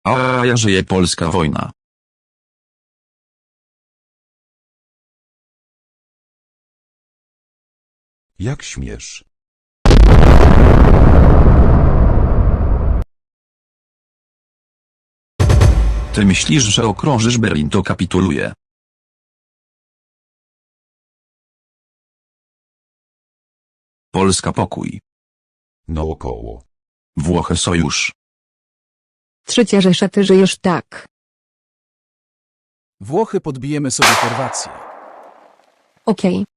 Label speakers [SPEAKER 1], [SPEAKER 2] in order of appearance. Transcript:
[SPEAKER 1] A ja żyje polska wojna.
[SPEAKER 2] Jak śmiesz?
[SPEAKER 1] Ty myślisz, że okrążysz Berlin, to kapituluje. Polska pokój.
[SPEAKER 2] No około.
[SPEAKER 1] Włochy sojusz.
[SPEAKER 3] Trzecia Rzesza, ty żyjesz tak.
[SPEAKER 4] Włochy podbijemy sobie Chorwację.
[SPEAKER 3] Okej.